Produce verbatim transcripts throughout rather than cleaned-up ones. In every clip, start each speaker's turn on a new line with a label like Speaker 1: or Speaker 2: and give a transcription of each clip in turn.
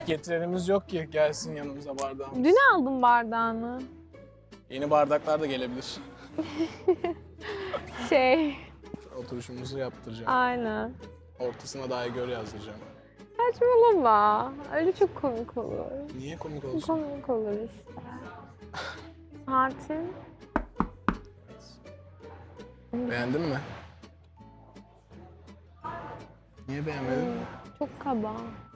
Speaker 1: Getirenimiz yok ki gelsin yanımıza bardağımız.
Speaker 2: Dün aldım bardağını.
Speaker 1: Yeni bardaklar da gelebilir.
Speaker 2: Şey,
Speaker 1: Oturuşumuzu yaptıracağım.
Speaker 2: aynen.
Speaker 1: Ortasına dahi gör yazdıracağım.
Speaker 2: Saçmalama. Öyle çok komik olur.
Speaker 1: Niye komik olsun?
Speaker 2: Komik olur işte. Saatin.
Speaker 1: Beğendin mi? Niye beğenmedin?
Speaker 2: Hmm, çok kaba.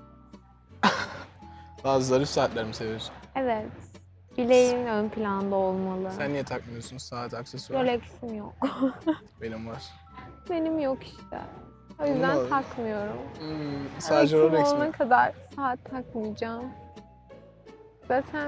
Speaker 1: Daha zarif saatler mi seviyorsun?
Speaker 2: Evet. Bileğin ön planda olmalı.
Speaker 1: Sen niye takmıyorsun saat, aksesuar?
Speaker 2: Rolex'im yok.
Speaker 1: Benim var.
Speaker 2: Benim yok işte. O
Speaker 1: Bunu
Speaker 2: yüzden
Speaker 1: mu?
Speaker 2: takmıyorum.
Speaker 1: Hmm, sadece
Speaker 2: Rolex'im
Speaker 1: Rolex
Speaker 2: olana
Speaker 1: mi?
Speaker 2: kadar saat takmayacağım. Zaten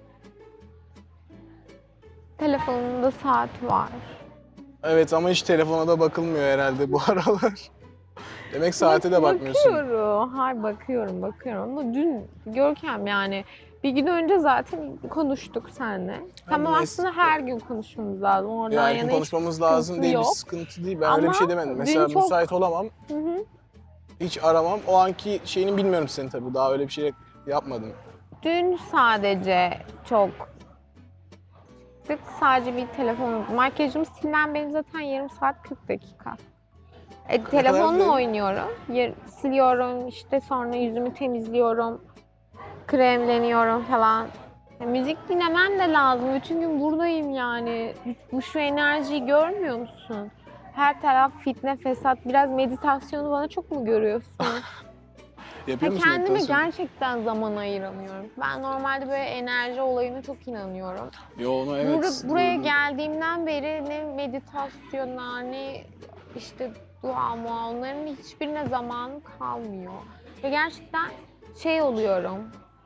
Speaker 2: telefonumda saat var.
Speaker 1: Evet ama hiç telefona da bakılmıyor herhalde bu aralar. Demek saate de bakmıyorsun.
Speaker 2: Bakıyorum. Hayır bakıyorum, bakıyorum. Ama dün Görkem yani bir gün önce zaten konuştuk seninle. Tamam
Speaker 1: mes-
Speaker 2: aslında her gün konuşmamız lazım. Oradan
Speaker 1: Ya her gün
Speaker 2: yana hiç
Speaker 1: konuşmamız lazım
Speaker 2: sıkıntı
Speaker 1: değil, bir
Speaker 2: yok.
Speaker 1: sıkıntı değil. Ben öyle bir şey demedim.
Speaker 2: dün
Speaker 1: Mesela
Speaker 2: çok-
Speaker 1: müsait olamam,
Speaker 2: Hı hı.
Speaker 1: hiç aramam. O anki şeyini bilmiyorum senin tabii. Daha öyle bir şey yapmadım.
Speaker 2: Dün sadece çok sık sadece bir telefon. Makyajım silinen benim zaten yarım saat kırk dakika. E,
Speaker 1: kadar
Speaker 2: telefonla
Speaker 1: değil.
Speaker 2: oynuyorum. Yer, siliyorum işte sonra yüzümü temizliyorum. Kremleniyorum falan. Ya, müzik dinlemem de lazım. Bütün gün buradayım yani. Bu şu enerjiyi görmüyor musun? Her taraf fitne fesat. Biraz meditasyonu bana çok mu görüyorsun?
Speaker 1: Yapıyor
Speaker 2: Ya
Speaker 1: musun
Speaker 2: kendime
Speaker 1: meditasyon?
Speaker 2: gerçekten zaman ayıramıyorum. Ben normalde böyle enerji olayına çok inanıyorum.
Speaker 1: Yo onu evet.
Speaker 2: Bur- buraya
Speaker 1: duydum.
Speaker 2: geldiğimden beri ne meditasyona ne işte dua mua onların hiçbirine zamanım kalmıyor. Ve gerçekten şey oluyorum.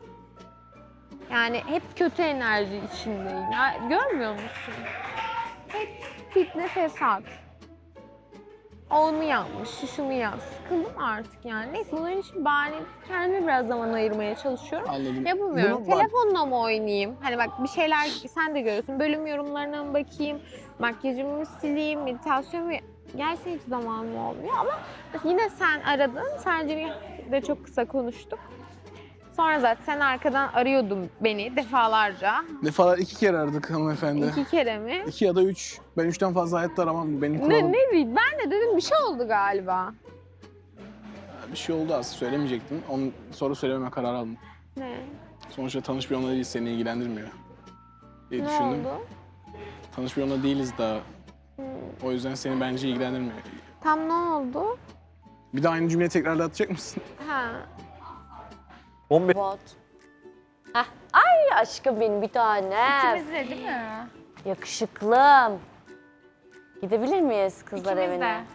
Speaker 2: Yani hep kötü enerji içindeyim. Ya, görmüyor musun? Hep fitne fesat. Onu yapmış, şu şunu yap. Sıkıldım artık yani. Neyse bunların için bahane kendime biraz zaman ayırmaya çalışıyorum.
Speaker 1: Anladım.
Speaker 2: Yapamıyorum.
Speaker 1: Bunu bak-
Speaker 2: Telefonla mı oynayayım? Hani bak bir şeyler sen de görüyorsun. Bölüm yorumlarına mı bakayım? Makyajımı mı sileyim? Meditasyon mu? Gerçekten hiç zamanım olmuyor ama yine sen aradın. Sadece de çok kısa konuştuk. Sonra zaten sen arkadan arıyordun beni defalarca.
Speaker 1: Defalar iki kere aradık hanımefendi. İki.
Speaker 2: İki kere mi?
Speaker 1: İki ya da üç. Ben üçten fazla hayatta aramam. Benim kuralım.
Speaker 2: Ne, ne bileyim ben de dedim bir şey oldu galiba.
Speaker 1: Bir şey oldu aslında söylemeyecektim. Onu sonra söylememe karar aldım.
Speaker 2: Ne?
Speaker 1: Sonuçta tanış bir onunla değil, seni ilgilendirmiyor diye
Speaker 2: Ne
Speaker 1: düşündüm.
Speaker 2: oldu?
Speaker 1: Tanış bir onunla değiliz daha.
Speaker 2: Hmm.
Speaker 1: O yüzden seni bence ilgilendirmiyor.
Speaker 2: Tam ne oldu?
Speaker 1: Bir de aynı cümleyi tekrarlatacak mısın?
Speaker 2: Ha.
Speaker 3: on beş.
Speaker 4: Bot. Heh. Ay aşkım benim bir tanem.
Speaker 5: İkimiz de değil mi?
Speaker 4: Yakışıklım. Gidebilir miyiz kızlar
Speaker 5: İkimiz
Speaker 4: evine?
Speaker 5: de.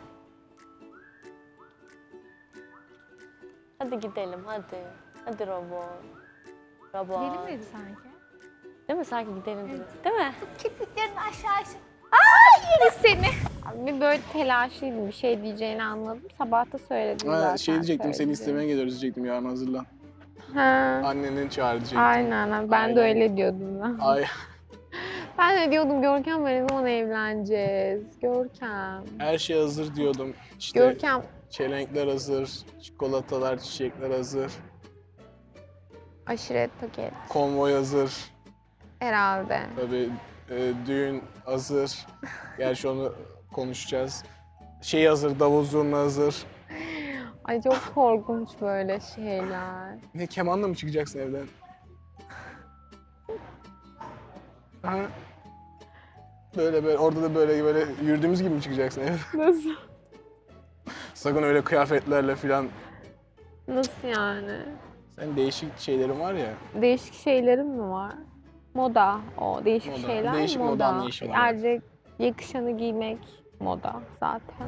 Speaker 4: Hadi gidelim hadi. Hadi robot. Robot.
Speaker 5: Gidelim dedi sanki.
Speaker 4: Değil mi? Sanki gidelim dedi. Değil mi?
Speaker 5: Kirpiklerin aşağı
Speaker 2: Seni. Bir böyle telaşlıydım bir şey diyeceğini anladım. Sabah da söyledim
Speaker 1: Ha,
Speaker 2: zaten.
Speaker 1: şey diyecektim, seni
Speaker 2: söylediğimi.
Speaker 1: istemeye geliyoruz diyecektim, yarın hazırlan.
Speaker 2: Ha.
Speaker 1: Annenin çağır diyecektim.
Speaker 2: Aynen ben
Speaker 1: Aynen.
Speaker 2: de öyle diyordum ben.
Speaker 1: Ay,
Speaker 2: Ben de diyordum Görkem ne zaman evleneceğiz? Görkem.
Speaker 1: her şey hazır diyordum. İşte
Speaker 2: Görkem.
Speaker 1: çelenkler hazır, çikolatalar, çiçekler hazır,
Speaker 2: Aşiret paket.
Speaker 1: konvoy hazır.
Speaker 2: Herhalde.
Speaker 1: Tabii e, düğün hazır. Gerçi onu konuşacağız. Şey hazır, davul zurna hazır.
Speaker 2: Ay çok korkunç böyle şeyler.
Speaker 1: Ne, kemanla mı çıkacaksın evden? Ha? Böyle böyle, orada da böyle böyle yürüdüğümüz gibi mi çıkacaksın evden?
Speaker 2: Nasıl?
Speaker 1: Sakın öyle kıyafetlerle falan.
Speaker 2: Nasıl yani?
Speaker 1: Sen değişik şeylerin var ya.
Speaker 2: Değişik şeylerim mi var? Moda o. Değişik
Speaker 1: Moda.
Speaker 2: şeyler
Speaker 1: Değişik moda
Speaker 2: moda.
Speaker 1: anlayışı var.
Speaker 2: Erkek yakışanı giymek moda zaten.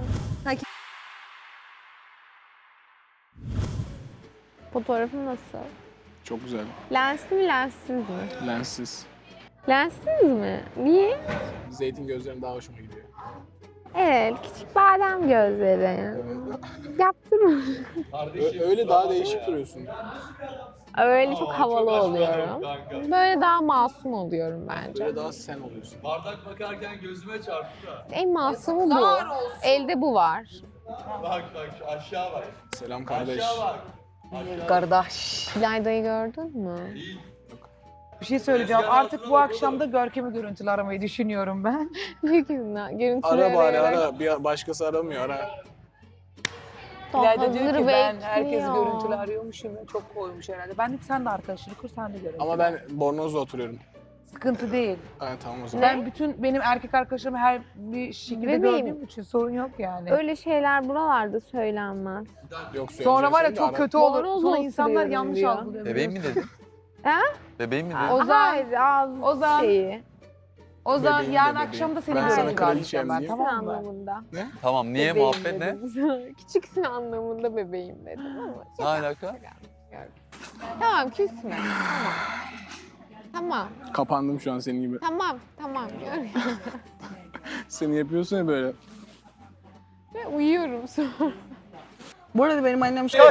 Speaker 2: Fotoğrafım nasıl?
Speaker 1: Çok güzel.
Speaker 2: Lensli mi lenssiz mi?
Speaker 1: Lenssiz.
Speaker 2: Lenssiz mi? Niye?
Speaker 1: Zeytin gözlerim daha hoşuma gidiyor.
Speaker 2: Evet, küçük badem gözleri. Yaptırma.
Speaker 1: Ö- öyle daha değişik duruyorsun.
Speaker 2: Öyle çok havalı oluyorum. Böyle daha masum oluyorum bence.
Speaker 1: Böyle daha sen oluyorsun.
Speaker 3: Bardak bakarken gözüme çarptı da.
Speaker 2: En masumu bu. Elde bu var.
Speaker 3: Bak bak şu aşağı bak.
Speaker 1: Selam kardeş.
Speaker 3: Aşağı bak.
Speaker 6: Kardeş.
Speaker 2: İlayda'yı gördün mü?
Speaker 6: Bir şey söyleyeceğim. Artık bu akşam da Görkem'i görüntülü aramayı düşünüyorum ben.
Speaker 2: Yükümle. Görüntülü
Speaker 1: Ara bari
Speaker 2: arayarak.
Speaker 1: ara. Bir başkası aramıyor ara.
Speaker 6: İlayda diyor
Speaker 2: Hazır
Speaker 6: ki ben herkes
Speaker 2: bekliyor.
Speaker 6: görüntülü arıyormuşum ve çok koymuş herhalde. Ben de sen de arkadaşını kur, sen de görüntülü.
Speaker 1: Ama ben Bornoz'da oturuyorum.
Speaker 6: Sıkıntı değil.
Speaker 1: Ha, tamam o zaman.
Speaker 6: Ben bütün benim erkek arkadaşlarımı her bir şekilde
Speaker 2: Bebeğim.
Speaker 6: gördüğüm için sorun yok yani.
Speaker 2: Öyle şeyler buralarda söylenmez.
Speaker 1: Yok,
Speaker 6: Sonra var ya
Speaker 1: söyleyeceksen de
Speaker 6: çok
Speaker 1: ara.
Speaker 6: kötü olur.
Speaker 2: Bornozla
Speaker 6: Sonra insanlar
Speaker 2: oturuyorum
Speaker 6: yanlış
Speaker 2: diyor.
Speaker 6: algılıyor.
Speaker 3: Bebeğim mi dedin?
Speaker 2: Ha?
Speaker 3: Bebeğim mi dedin?
Speaker 6: O zaman-
Speaker 2: Hayır, ağız
Speaker 6: o zaman-
Speaker 2: şeyi.
Speaker 6: O zaman
Speaker 1: Bebeğim de
Speaker 6: yarın
Speaker 1: bebeğim.
Speaker 6: akşam da seni
Speaker 1: Ben sana
Speaker 6: görüntülü
Speaker 1: kraliçem
Speaker 6: arayacağım ben,
Speaker 1: diyeyim.
Speaker 2: Küçüksün
Speaker 6: tamam mı?
Speaker 2: anlamında.
Speaker 3: Tamam niye
Speaker 2: Bebeğim
Speaker 3: muhabbet ne?
Speaker 2: dedim. Küçüksün anlamında bebeğim dedim ama.
Speaker 3: Ne alaka?
Speaker 2: Tamam küsme. Tamam. Tamam.
Speaker 1: Kapandım şu an senin gibi.
Speaker 2: Tamam. Tamam. Gör.
Speaker 1: Seni yapıyorsun ya böyle.
Speaker 2: Ve uyuyorum sonra.
Speaker 6: Bu arada benim annem şey...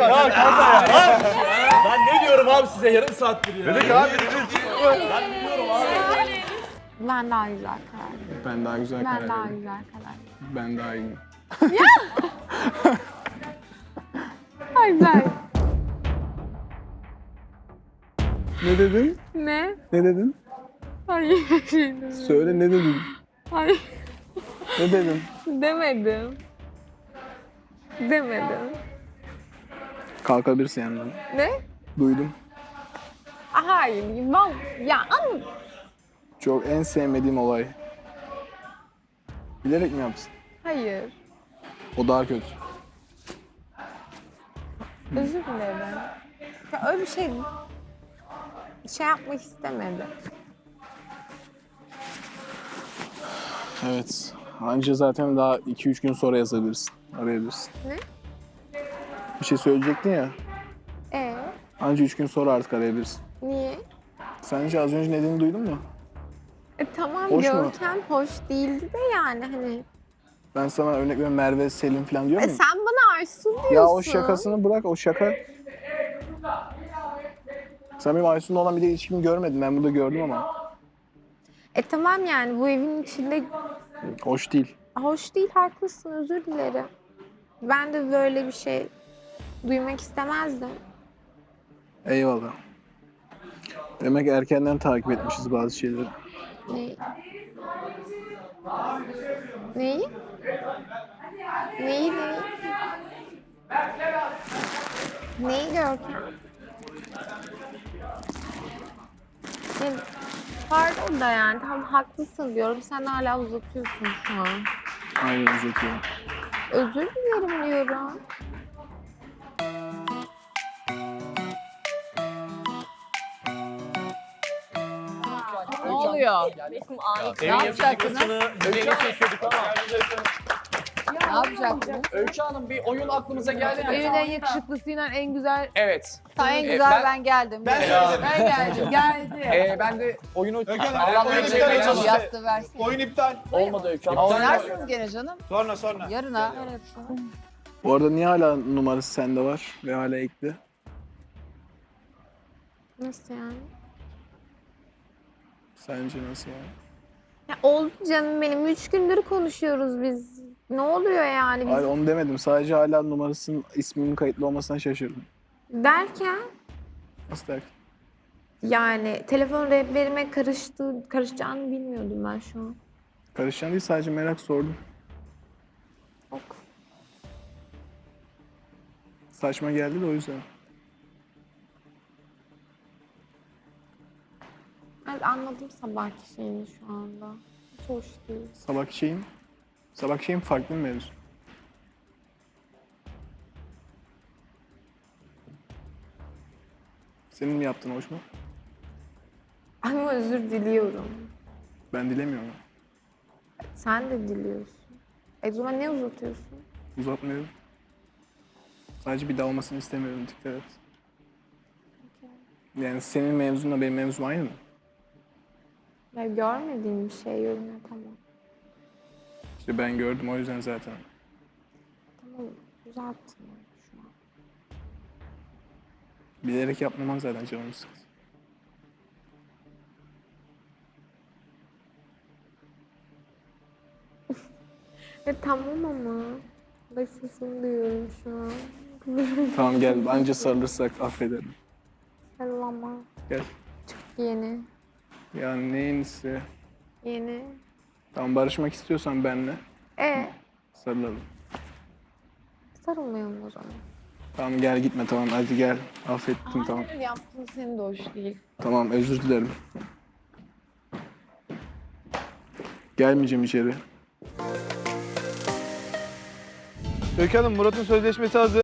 Speaker 7: Ben ne diyorum abi size yarım saattir ya. Dedik abi dedik.
Speaker 2: Ben daha güzel karar veriyorum.
Speaker 1: Ben daha güzel
Speaker 2: Ben
Speaker 1: karar
Speaker 2: daha
Speaker 1: veririm.
Speaker 2: güzel karar veriyorum.
Speaker 1: Ben daha iyi.
Speaker 2: Güzel.
Speaker 1: Ne dedin?
Speaker 2: Ne?
Speaker 1: Ne dedin?
Speaker 2: Hayır. Şey demedim.
Speaker 1: Söyle ne dedin?
Speaker 2: Hayır.
Speaker 1: Ne dedin?
Speaker 2: Demedim. Demedim.
Speaker 1: Kalkabilirsin yanından.
Speaker 2: Ne?
Speaker 1: Duydum.
Speaker 2: Hayır. Ben, ya ama
Speaker 1: Çok en sevmediğim olay. Bilerek mi yapsın?
Speaker 2: hayır.
Speaker 1: O daha kötü.
Speaker 2: Özür dilerim. Ya öyle bir şey şey yapmak istemedim.
Speaker 1: Evet. Anca zaten daha iki üç gün sonra yazabilirsin. Arayabilirsin.
Speaker 2: Ne?
Speaker 1: Bir şey söyleyecektin ya.
Speaker 2: Ee,
Speaker 1: Anca üç gün sonra artık arayabilirsin.
Speaker 2: niye?
Speaker 1: Sence az önce dediğini duydun mu?
Speaker 2: E, tamam
Speaker 1: Hoş mu?
Speaker 2: Görkem hoş değildi de yani hani.
Speaker 1: Ben sana örnek veriyorum Merve, Selim falan diyor
Speaker 2: E,
Speaker 1: muyum?
Speaker 2: sen bana Aysun diyorsun.
Speaker 1: Ya o şakasını bırak, o şaka. Sen benim Aysun'la olan bir de ilişkimi görmedin. Ben burada gördüm ama.
Speaker 2: E tamam yani bu evin içinde
Speaker 1: Hoş değil.
Speaker 2: hoş değil, haklısın, özür dilerim. Ben de böyle bir şey duymak istemezdim.
Speaker 1: Eyvallah. Demek erkenden takip etmişiz bazı şeyleri.
Speaker 2: Ne? Neyi? Neyi, neyi? Neyi Görkem? E, pardon da yani tam haklısın diyorum. Sen hala uzatıyorsun şu an.
Speaker 1: Aynen uzatıyorum.
Speaker 2: Özür dilerim diyorum.
Speaker 6: Ne oluyor?
Speaker 7: Ne yapacaksınız? Öykü
Speaker 6: Ne yapacaksın?
Speaker 7: Öykü Hanım bir oyun aklımıza geldi de.
Speaker 6: Evin en yakışıklısıyla en güzel...
Speaker 7: Evet.
Speaker 6: Ta en
Speaker 7: Ee,
Speaker 6: güzel
Speaker 7: ben-
Speaker 6: ben, geldim.
Speaker 7: Ben
Speaker 6: Ben,
Speaker 7: söyledim.
Speaker 6: ben geldim, geldi.
Speaker 7: Ee, ben de oyunu
Speaker 3: Hanım,
Speaker 7: anlatmaya
Speaker 3: oyunu
Speaker 7: çevirmeye
Speaker 3: iptal
Speaker 7: çalıştım.
Speaker 6: Yastığı versin.
Speaker 3: Oyun iptal.
Speaker 7: Olmadı Öykü Hanım.
Speaker 6: Oynarsınız gene canım.
Speaker 3: Sonra sonra.
Speaker 6: Yarına.
Speaker 1: Bu arada niye hala numarası sende var ve hala ekli?
Speaker 2: Nasıl yani?
Speaker 1: Sence nasıl yani?
Speaker 2: Ya oldu canım benim. Üç gündür konuşuyoruz biz. Ne oluyor yani biz
Speaker 1: Hayır onu demedim. Sadece hala numarasının isminin kayıtlı olmasına şaşırdım.
Speaker 2: derken?
Speaker 1: Nasıl derken?
Speaker 2: Yani telefon rehberime karıştı, karışacağını bilmiyordum ben şu an.
Speaker 1: Karışan değil, sadece merak sordum.
Speaker 2: Ok.
Speaker 1: Saçma geldi de o yüzden.
Speaker 2: Evet, anladım sabahki şeyini şu anda. Hiç hoş değil.
Speaker 1: Sabahki şeyim, sabahki şeyim farklı bir mevzu. Senin mi yaptığın hoş mu?
Speaker 2: Ama özür diliyorum.
Speaker 1: Ben dilemiyorum.
Speaker 2: Sen de diliyorsun. E o zaman ne uzatıyorsun?
Speaker 1: Uzatmıyorum. Sadece bir daha olmasını istemiyorum, dikkat et. Yani senin mevzunla benim mevzum aynı mı?
Speaker 2: Ya görmediğim bir şey yorum yapamam.
Speaker 1: İşte ben gördüm o yüzden zaten.
Speaker 2: Tamam, uzattın şu an.
Speaker 1: Bilerek yapmaman zaten canımı sıktı.
Speaker 2: E tamam ama. Bak sesini duyuyorum şu an.
Speaker 1: Tamam gel. Anca sarılırsak affederim.
Speaker 2: Sarılama.
Speaker 1: Gel.
Speaker 2: Yeni.
Speaker 1: Ya ne yenisi?
Speaker 2: Yeni.
Speaker 1: Tamam barışmak istiyorsan benle
Speaker 2: E
Speaker 1: sarılalım.
Speaker 2: sarılmayalım o zaman.
Speaker 1: Tamam gel gitme tamam hadi gel. Affettim tamam.
Speaker 2: Hayır yaptığın senin de hoş değil.
Speaker 1: Tamam özür dilerim. Gelmeyeceğim içeri.
Speaker 8: Öykü Hanım, Murat'ın sözleşmesi hazır.